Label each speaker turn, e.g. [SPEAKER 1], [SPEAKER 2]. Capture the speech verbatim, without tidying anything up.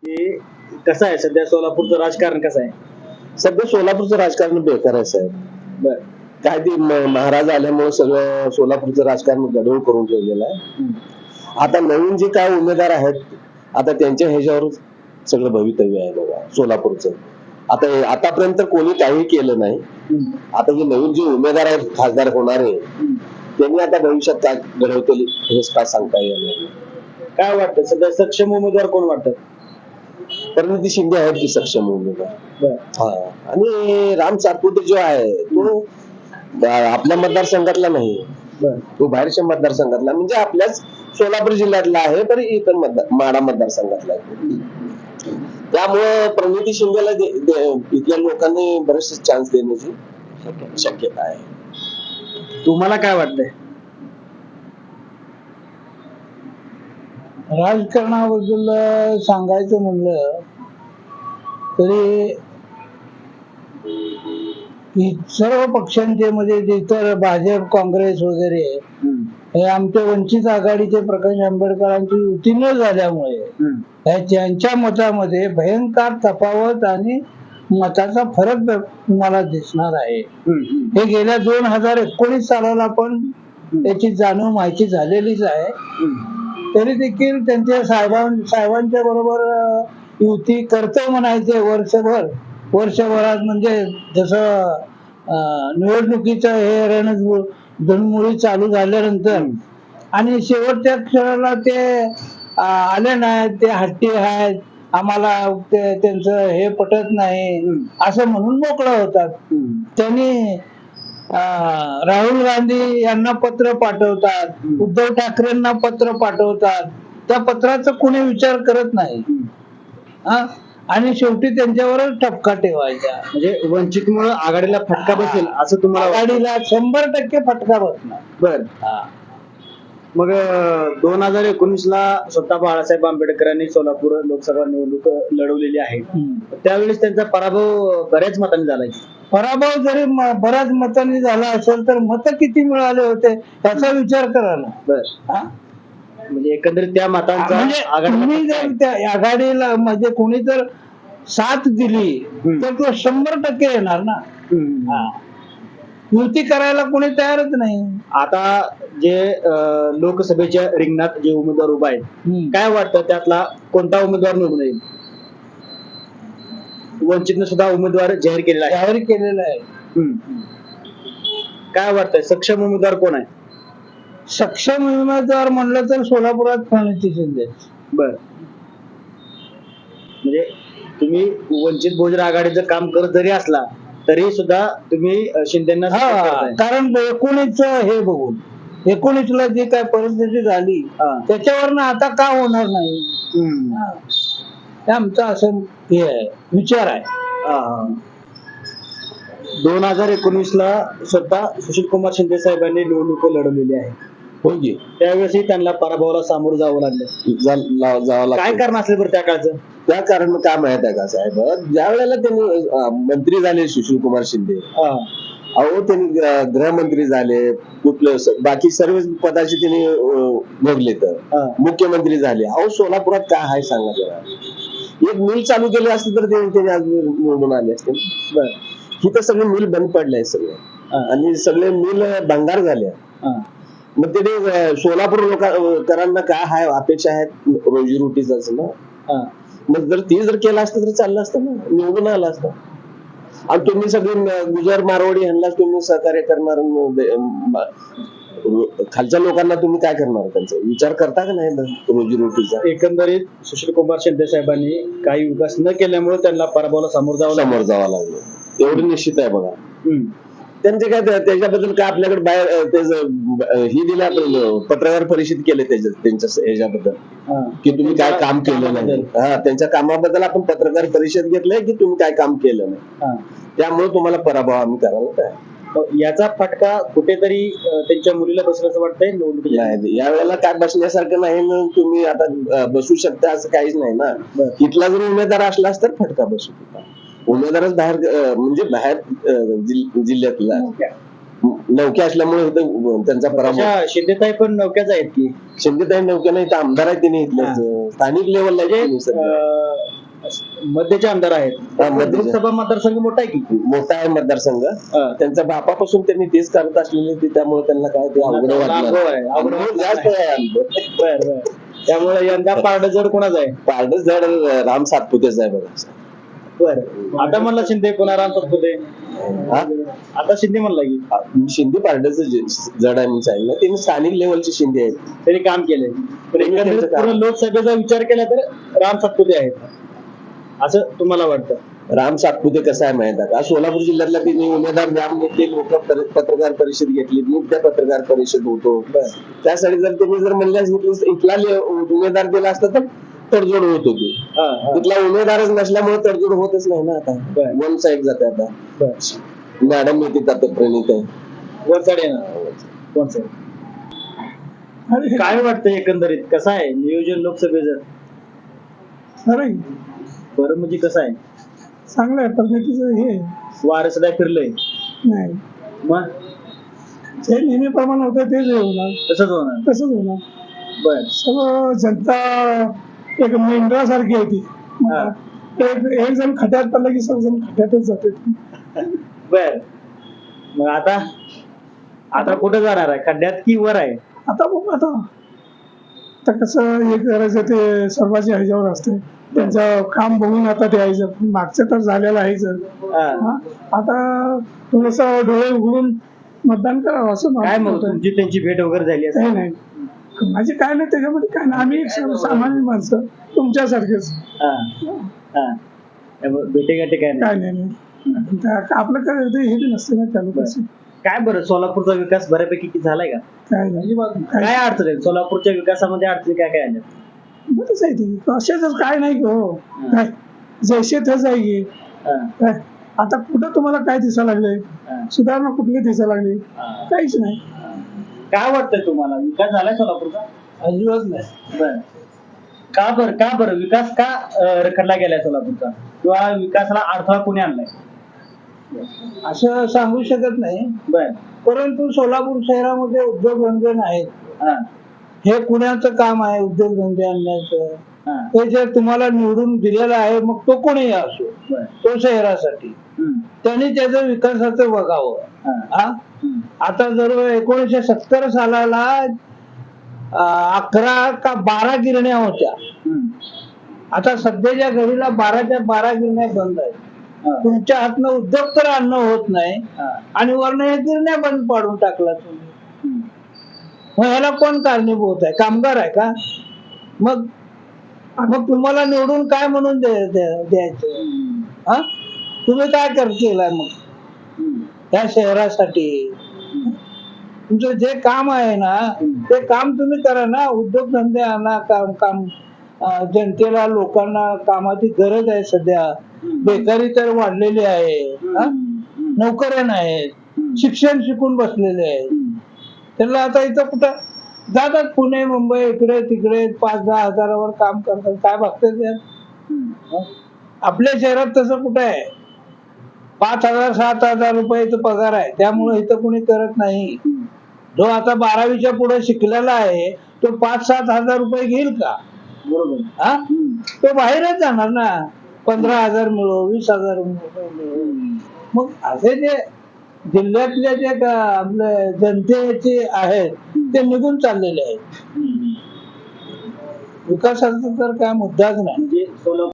[SPEAKER 1] की कसं आहे सध्या सोलापूरचं राजकारण कसं आहे?
[SPEAKER 2] सध्या सोलापूरचं राजकारण बेकार आहे साहेब.
[SPEAKER 1] बर
[SPEAKER 2] काय ते म- महाराज आल्यामुळे सगळं सोलापूरचं राजकारण गडबड करून ठेवलेलं आहे. आता नवीन जे काय उमेदवार आहेत आता त्यांच्या ह्याच्यावर सगळं भवितव्य आहे बघा सोलापूरचं. आता हे- आतापर्यंत कोणी काही केलं नाही. आता जे नवीन जे उमेदवार आहेत खासदार होणारे त्यांनी आता भविष्यात काय घडवतील हे काय सांगता येणार नाही.
[SPEAKER 1] काय वाटतं सध्या सक्षम उमेदवार कोण वाटतात?
[SPEAKER 2] परिणिती शिंदे आहेत की सक्षम उमेदवार.
[SPEAKER 1] बर
[SPEAKER 2] हा आणि राम सातपुते जो आहे तो अ, आपल्या मतदारसंघातला नाही,
[SPEAKER 1] बर
[SPEAKER 2] तो बाहेरच्या मतदारसंघातला म्हणजे आपल्याच सोलापूर जिल्ह्यातला आहे तर इतर मतदार माडा मतदारसंघातला आहे. त्यामुळे प्रणिती शिंदेला दे- दे- इथल्या लोकांनी बरेचसे चान्स देण्याची शक्यता आहे.
[SPEAKER 1] तुम्हाला काय वाटतंय?
[SPEAKER 3] राजकारणाबद्दल सांगायचं म्हणलं तरी ही सर्व पक्षांचे म्हणजे इतर भाजप काँग्रेस वगैरे हे आमच्या वंचित आघाडीचे प्रकाश आंबेडकरांची युती न झाल्यामुळे ह्या त्यांच्या मतामध्ये भयंकर तफावत आणि मताचा फरक तुम्हाला दिसणार आहे. हे गेल्या दोन हजार एकोणीस सालाला पण त्याची जाणीव माहिती झालेलीच आहे. तरी देखील त्यांच्या साहेबां साहेबांच्या बरोबर अं, युती करतो म्हणायचे वर्षभर वर्षभरात म्हणजे जसं अं, निवडणुकीचं हे रणधुळ धुळमुळी चालू झाल्यानंतर आणि शेवटच्या क्षणाला ते अं, आले नाहीत, ते हट्टी आहेत, आम्हाला ते त्यांचं हे पटत नाही असं म्हणून मोकळं होतात. त्यांनी अं, राहुल गांधी यांना पत्र पाठवतात, उद्धव ठाकरेंना पत्र पाठवतात, त्या पत्राचा कोणी विचार करत नाही हा? आणि शेवटी त्यांच्यावरच ठपका ठेवायचा.
[SPEAKER 1] म्हणजे वंचितमुळे आघाडीला फटका बसेल असं तुम्हाला वाटतं?
[SPEAKER 3] आघाडीला शंभर टक्के फटका बसणार.
[SPEAKER 1] बर मग दोन हजार एकोणीस ला स्वतः बाळासाहेब आंबेडकरांनी सोलापूर लोकसभा निवडणूक लढवलेली आहे. त्यावेळेस त्यांचा पराभव बऱ्याच मतांनी झालाय.
[SPEAKER 3] पराभव जरी म- बऱ्याच मतांनी झाला असेल तर मत किती मिळाले होते याचा विचार करा ना.
[SPEAKER 1] बर
[SPEAKER 3] हा?
[SPEAKER 1] म्हणजे एकंदरीत त्या मतांचा
[SPEAKER 3] म्हणजे
[SPEAKER 1] आघाडीला
[SPEAKER 3] तुम्ही
[SPEAKER 1] फटका
[SPEAKER 3] जर
[SPEAKER 1] आहे.
[SPEAKER 3] त्या आघाडीला म्हणजे कोणी जर साथ दिली तर तो शंभर टक्के येणार ना.
[SPEAKER 1] हम्म.
[SPEAKER 3] हा. युती करायला कोणी तयारच नाही.
[SPEAKER 1] आता जे अं, लोकसभेच्या रिंगणात जे उमेदवार उभा आहेत
[SPEAKER 3] हम्म.
[SPEAKER 1] काय वाटतं त्यातला कोणता उमेदवार निवडून येईल? वंचितने सुद्धा उमेदवार जाहीर केलेला आहे.
[SPEAKER 3] जाहीर केलेलं आहे.
[SPEAKER 1] हम्म. काय वाटतंय सक्षम उमेदवार कोण आहे?
[SPEAKER 3] सक्षम उमेदवार म्हणलं तर सोलापुरात प्रणिती शिंदे.
[SPEAKER 1] बर म्हणजे तुम्ही वंचित बहुजन आघाडीचं काम करत जरी असला तरी सुद्धा तुम्ही अं, शिंदेना support
[SPEAKER 3] हा
[SPEAKER 1] करताय.
[SPEAKER 3] कारण एकोणीस हे बघून एकोणीस ला जी काय परिस्थिती झाली
[SPEAKER 1] हा.
[SPEAKER 3] त्याच्यावरनं आता का होणार नाही.
[SPEAKER 1] हम्म.
[SPEAKER 3] हा. हे आमचा असं हे आहे विचार आहे.
[SPEAKER 1] हा. दोन हजार एकोणीस ला स्वतः सुशील कुमार शिंदे साहेबांनी निवडणूक लढवलेली आहे.
[SPEAKER 2] होय की
[SPEAKER 1] त्यावेळेसही त्यांना पराभवाला सामोरं जावं लागलं.
[SPEAKER 2] जा- ला- जावं
[SPEAKER 1] काय
[SPEAKER 2] लागतं.
[SPEAKER 1] कारण असेल बरं त्या काळचं?
[SPEAKER 2] त्या कारण काय माहित आहे का साहेब, ज्या वेळेला त्यांनी अं, मंत्री झाले सुशील कुमार शिंदे,
[SPEAKER 1] हा.
[SPEAKER 2] अहो त्यांनी अं, गृहमंत्री झाले, कुठलं स- बाकी सर्व पदाची त्यांनी अं, भोगले तर
[SPEAKER 1] हा.
[SPEAKER 2] मुख्यमंत्री झाले. अहो सोलापुरात काय आहे सांगा जरा. एक मिल चालू केली असती तर ते- त्यांनी आज निवडून आले असते.
[SPEAKER 1] बर
[SPEAKER 2] ही तर सगळे मिल बंद पडले सगळे
[SPEAKER 1] हा.
[SPEAKER 2] आणि सगळे मिल भंगार झाले.
[SPEAKER 1] हा.
[SPEAKER 2] मग ते अं, सोलापूर लोकांना काय आहे अपेक्षा आहेत रोजीरोटीच ना.
[SPEAKER 1] हा.
[SPEAKER 2] मग जर ती जर केलं असतं तर चाललं असतं ना, निवडून आलं असतं. आणि तुम्ही सगळे म- गुजर मारवाडी ह्यांना तुम्ही सहकार्य करणार, म- दे- म- खालच्या लोकांना तुम्ही काय करणार, त्यांचा विचार करता का नाही रोजीरोटीचा?
[SPEAKER 1] एकंदरीत सुशील कुमार शिंदे साहेबांनी काही विकास न केल्यामुळे त्यांना पराभवाला सामोरं जावं
[SPEAKER 2] समोर
[SPEAKER 1] लागलं.
[SPEAKER 2] जावं लागलं एवढं निश्चित आहे बघा.
[SPEAKER 1] हम्म.
[SPEAKER 2] त्यांचे काय त्या- त्याच्याबद्दल काय आपल्याकडे बाहेर अं, त्याचं, अं, ही दिलं आपलं पत्रकार परिषद केले त्याच्या त्यांच्या ह्याच्याबद्दल
[SPEAKER 1] हा.
[SPEAKER 2] की तुम्ही काय काम केलं नाही. हा त्यांच्या कामाबद्दल आपण पत्रकार परिषद घेतलंय की तुम्ही काय काम केलं नाही,
[SPEAKER 1] हा.
[SPEAKER 2] त्यामुळे तुम्हाला पराभव आम्ही करायला काय
[SPEAKER 1] मग याचा फटका कुठेतरी अं, त्यांच्या मुलीला बसलं असं वाटतंय निवडणुकीच्या.
[SPEAKER 2] नाही. या वेळेला काय बसण्यासारखं नाही ना, तुम्ही आता अं, बसू शकता असं काहीच नाही ना.
[SPEAKER 1] बरं.
[SPEAKER 2] इथला जर उमेदवार असलास तर फटका बसू शकता. उमेदवारच बाहेर अं, म्हणजे बाहेर अं, जिल- जिल्ह्यातला नौके असल्यामुळे इथं त्यांचा पराभव.
[SPEAKER 1] अशा शिंदेताई पण नौक्याच आहेत की
[SPEAKER 2] शिंदेताई नौक्यानं इथं आमदार आहे तिने इथलं स्थानिक लेवलला
[SPEAKER 1] अं, मध्यचे आमदार आहेत.
[SPEAKER 2] हा, मध्यचे.
[SPEAKER 1] लोकसभा मतदारसंघ मोठा आहे की
[SPEAKER 2] मोठा आहे मतदारसंघ.
[SPEAKER 1] हा.
[SPEAKER 2] त्यांच्या बापापासून त्यांनी तेच करत असलेले ते, त्यामुळे त्यांना काय ते अवघड
[SPEAKER 1] अनुभव
[SPEAKER 2] वाटलं.
[SPEAKER 1] आहे, अवघड
[SPEAKER 2] अनुभव जास्त आहे अनुभव.
[SPEAKER 1] बर बर त्यामुळे यंदा पारड जड कोणाच आहे.
[SPEAKER 2] पारडं जड राम सातपुतेच आहे बघा.
[SPEAKER 1] बर आता म्हणला शिंदे पुन्हा राम सातपुते.
[SPEAKER 2] हा?
[SPEAKER 1] आता शिंदे म्हणला की
[SPEAKER 2] शिंदे पारडचं जड आहे म्हणून सांगितलं. त्यांनी स्थानिक लेवलचे शिंदे आहेत.
[SPEAKER 1] त्यांनी काम केलंय पण एकंदरीत पूर्ण लोकसभेचा विचार केला तर राम सातपुते आहेत असं तुम्हाला वाटतं.
[SPEAKER 2] राम सातपुते कसं आहे माहित आहे का, सोलापूर जिल्ह्यातला त्यांनी उमेदवार जाम घेतले, लोक पत्रकार परिषद घेतली, मी त्या पत्रकार परिषद होतो. त्यासाठी जर त्यांनी जर म्हणले असते इथला ले- उमेदवार दिला असता तर तडजोड होत होती.
[SPEAKER 1] हा, हा.
[SPEAKER 2] तिथला उमेदवारच नसल्यामुळे तडजोड होतच नाही ना. आता
[SPEAKER 1] बरं.
[SPEAKER 2] वन साईड जाते. आता
[SPEAKER 1] बर
[SPEAKER 2] मॅडम येते आता प्रणित आहे.
[SPEAKER 1] वर साईड आहे ना वन साईड. काय वाटतं एकंदरीत कसं आहे नियोजन लोकसभेचं.
[SPEAKER 3] अरे
[SPEAKER 1] बरं म्हणजे कसं आहे
[SPEAKER 3] चांगलं आहे पद्धतीचं हे
[SPEAKER 1] वारं सध्या फिरलंय
[SPEAKER 3] नाही
[SPEAKER 1] मग
[SPEAKER 3] जे नेहमीप्रमाणे होतं तेच होणार
[SPEAKER 1] तसंच होणार.
[SPEAKER 3] तसंच होणार.
[SPEAKER 1] बर
[SPEAKER 3] सर्व जनता एक मेंढरासारखी होती.
[SPEAKER 1] हा.
[SPEAKER 3] एक एक जण खड्यात पडला की सर्वजण खड्यातच जाते.
[SPEAKER 1] बर मग आता आता कुठं जाणार आहे खड्ड्यात की वर आहे.
[SPEAKER 3] आता बघू आता आता कसं हे करायचं ते सर्वांच्या ह्याच्यावर असते. त्यांचं काम बघून आता ते यायचं मागचं तर झालेलं आहेच.
[SPEAKER 1] हा.
[SPEAKER 3] हा. आता थोडस डोळे उघडून मतदान करावं असं मला
[SPEAKER 1] काय मग
[SPEAKER 3] वाटतं.
[SPEAKER 1] तुमची त्यांची भेट वगैरे झाली असेल.
[SPEAKER 3] नाही नाही माझे काय नाही त्याच्यामध्ये काय नाही. आम्ही एक सामान्य माणसं तुमच्यासारखेच.
[SPEAKER 1] हा. हा. त्यामुळे भेटेगाठी काय नाही.
[SPEAKER 3] काय नाही नाही त्या- आपलं काय ते हे बी नसते ना चालू कसं
[SPEAKER 1] काय बरं सोलापूरचा विकास बऱ्यापैकी किती झालाय का.
[SPEAKER 3] काय नाही काय
[SPEAKER 1] काय अडचण आहे सोलापूरच्या विकासामध्ये अडचणी काय काय आल्या.
[SPEAKER 3] बरंच आहे ते अशाच काय नाही की हो काय जैसे तेच आहे की
[SPEAKER 1] हा.
[SPEAKER 3] काय आता कुठं तुम्हाला काय दिसायला लागले
[SPEAKER 1] हा.
[SPEAKER 3] सुधारणा कुठली दिसायला लागली
[SPEAKER 1] हा.
[SPEAKER 3] काहीच नाही.
[SPEAKER 1] काय वाटतंय तुम्हाला विकास झालाय सोलापूरचा.
[SPEAKER 3] अजिबात नाही.
[SPEAKER 1] बर का बर का बरं विकास का अं, रखडला गेलाय सोलापूरचा किंवा विकासाला अडथळा कोणी आणलाय.
[SPEAKER 3] असं सांगू शकत नाही.
[SPEAKER 1] बर
[SPEAKER 3] परंतु सोलापूर शहरामध्ये उद्योगधंदे नाहीत.
[SPEAKER 1] हा.
[SPEAKER 3] हे कुणाचं काम आहे उद्योगधंदे आणण्याचं.
[SPEAKER 1] हा.
[SPEAKER 3] हे जर तुम्हाला निवडून दिलेलं आहे मग तो कोणीही असो
[SPEAKER 1] बर
[SPEAKER 3] तो शहरासाठी
[SPEAKER 1] हम्म.
[SPEAKER 3] त्यांनी त्याचं विकासाचं बघावं.
[SPEAKER 1] हा.
[SPEAKER 3] हा
[SPEAKER 1] हम्म.
[SPEAKER 3] आता जर एकोणीसशे सत्तर सालाला अं, अकरा का बारा गिरण्या होत्या.
[SPEAKER 1] हम्म.
[SPEAKER 3] आता सध्याच्या घडीला बाराच्या बारा गिरण्या बंद आहेत.
[SPEAKER 1] हा.
[SPEAKER 3] तुमच्या हातनं उद्योग तर आणणं होत नाही
[SPEAKER 1] हा.
[SPEAKER 3] आणि वरनं हे गिरण्या बंद पाडून टाकला तुम्ही.
[SPEAKER 1] हम्म.
[SPEAKER 3] मग ह्याला कोण कारणीभूत आहे. कामगार आहे का. मग मग तुम्हाला निवडून काय म्हणून द्या- द्या- द्यायचं.
[SPEAKER 1] हम्म.
[SPEAKER 3] हा तुम्ही काय कर केलाय मग
[SPEAKER 1] हम्म.
[SPEAKER 3] या शहरासाठी. तुमचं जे काम आहे ना ते काम तुम्ही करा ना. उद्योगधंदे आणा. काम काम अं, जनतेला लोकांना कामाची गरज आहे सध्या. बेकारी तर वाढलेली आहे. हा? नोकऱ्या नाहीत. शिक्षण शिकून बसलेले आहेत. त्यांना आता इथं कुठं जातात पुणे मुंबई इकडे तिकडे पाच दहा हजारावर काम करतात. काय बघतात यार. आपल्या शहरात तसं कुठं आहे. पाच हजार सात हजार रुपयाचा पगार आहे त्यामुळे इथं कुणी करत नाही. जो आता बारावीच्या पुढे शिकलेला आहे तो पाच सात हजार रुपये घेईल का.
[SPEAKER 1] बरोबर.
[SPEAKER 3] हा तो बाहेरच जाणार ना. पंधरा हजार मिळो वीस हजार मिळो. मग असे जे जिल्ह्यातले जे का आपले जनतेचे आहेत ते निघून चाललेले आहेत. विकासाचा तर काय मुद्दाच नाही.
[SPEAKER 1] म्हणजे सोलापूर